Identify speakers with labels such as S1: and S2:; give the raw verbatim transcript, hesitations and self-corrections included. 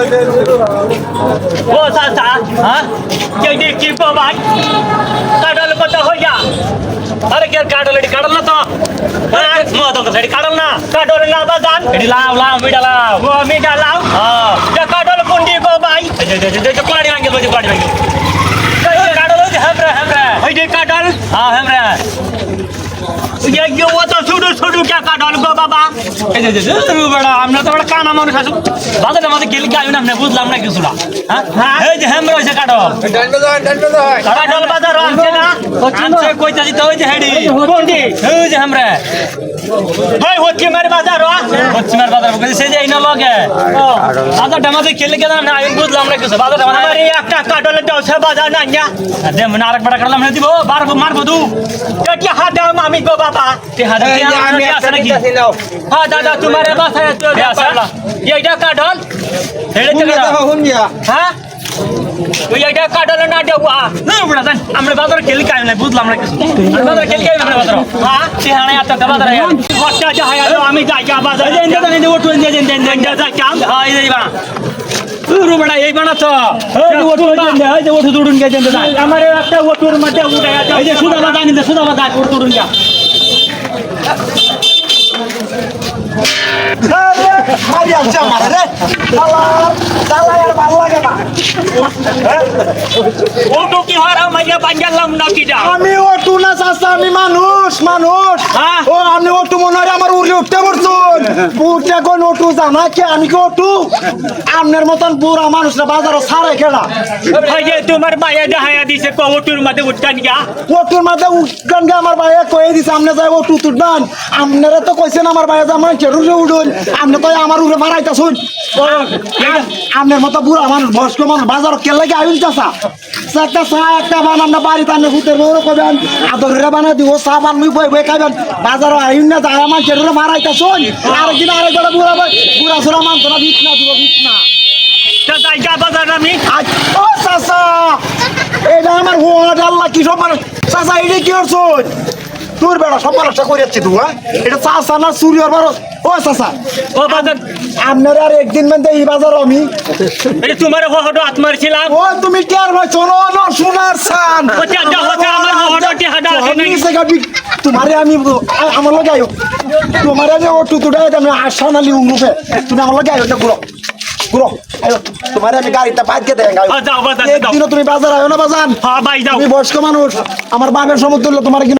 S1: ও চাচা হ্যাঁ কে কি ভাই কাটল কত হইয়া আরে কে কাটল এটি কাটল না তো হ্যাঁ মো তো সেটি কাটল না কাটল না বাজান এটি লাও লাও মিডা লাও ও মিডা লাও হ্যাঁ যে কাটল কোনটি গো ভাই যে যে যে কোলাড়ি ভাঙে বজে কোলাড়ি ভাঙে কাটল হইছে হেমরা হেমরা ওই যে কাটল হ্যাঁ হেমরা ये ये वो तो छोड़ो छोड़ो क्या काटल गो बाबा ए जे जे बड़ा हमने तो बड़ा काना মানুষ আছো বাজারে মাঝে গেল কি আইনা আমরা বুঝলাম না কিছুটা হ্যাঁ এই যে হেমরা হইছে কাটল
S2: ডান্ডা দাও ডান্ডা দাও
S1: কাটল বাজার আছে না আনছে কইতাছি তো ওই যে হেডি কোনটি এই যে হেমরা ভাই হচ্ছে মার বাজার হচ্ছে মার বাজার কইছে সে যে আইনা লগে ও বাজার ডামাতে খেলে কেন না আমি বুঝলাম না কিছু বাজার মানে আরে একটা কাটল দাও সে বাজার না না দে মনে আরেক বড় কাটলাম না দিব বার মারবো দু কি হাত দাও মামি গো বাবা তে হাত আমি আছে নাকি হ্যাঁ দাদা তোমার বাসায় তো আছে এইটা কাটল হেডে থেকে
S2: হুন গিয়া
S1: হ্যাঁ ওই এইটা কাটল না দেওয়া না বড় জান আমরা বাজারে খেলি কাই না বুঝলাম না কিছু আমরা বাজারে খেলি কাই আমরা বাজারে হ্যাঁ তে হানে আত বাজারে খরচা যা হয় আমি যাই যা বাজারে দেন দেন দেন ওটু দেন দেন দেন যা কাম হ্যাঁ এই বা রু বড়া এই বানা তো এই ওটু দেন দে এই যে ওটু দুড়ুন গে দেন দে আমার একটা ওটুর মধ্যে উঠে আছে এই যে সুদা বাদা নিতে সুদা বাদা ওটু দুড়ুন যা
S2: আরে আচ্ছা মারে রে শালা শালা আর ভালো লাগে না
S1: ওটু কি হয় মাইয়া বাঙ্গালাম না কি যা
S2: আমি ওটু না চাচা আমি মানুষ মানুষ
S1: হ্যাঁ
S2: ও আমি ওটু মনে হয় আমার উড়ে উঠতে পারছুন উঠতে কোন ওটু জানা কি আমি কি ওটু আপনার মতন বুড়া মানুষরা বাজারে ছাড়ে খেলা
S1: ভাই যে তোমার মাইয়া দেখায়া দিছে কো ওটুর মধ্যে উঠকান গিয়া
S2: ওটুর মধ্যে উঠকান গে আমার ভাইয়া কয়ে দিছে আপনি যাই ওটু তুলবেন আপনারা তো কইছেন আমার ভাইয়া যে আমার চেরুরে উঠুন আপনি তো আমার উড়ে মারাইতেছুন আপনার মতো বুড়া মানুষ বয়স্ক মানুষ বাজার কেলে কি আইন চাষা একটা চা একটা বান আমরা বাড়িতে আনলে ভূতের বউরে কবেন আদরে বানা দিব চা বান মুই বই বই খাবেন বাজারও আইন না যায় আমার চেরুরে মারাইতেছুন আরেকদিন আরেকবার বুড়া বুড়া সুরা মানছ না বিট না দিব বিট না
S1: জায়গা বাজার আমি
S2: ও চাচা এটা আমার হোয়াট আল্লাহ কি সব মানুষ চাচা এটা কি করছুন তোর বেড়া সব মানুষটা করে যাচ্ছি তুই হ্যাঁ এটা চাচা না চুরি হওয়ার ও চাচা
S1: ও বাজার
S2: আপনার আর একদিন মানে এই বাজার আমি
S1: এটা তোমার হহটো আত্মার ছিলাম
S2: ও তুমি কে আর ভাই শোনো না সোনার সান
S1: ওটা যা হচ্ছে আমার হহটো টি হাডা আছে নাই
S2: তোমারে আমি আমার লগে আইও তোমারে আমি ও টুটুটা আমি আশা নালি উঙ্গুপে তুমি আমার লগে আইও গুলো গুলো আইও তোমারে আমি গাড়িটা বাদ দিয়ে দেন
S1: যাও বাজার যাও
S2: একদিনও তুমি বাজার আইও না বাজান
S1: হ্যাঁ ভাই যাও
S2: তুমি বয়স্ক মানুষ আমার বাপের সমতুল্য তোমার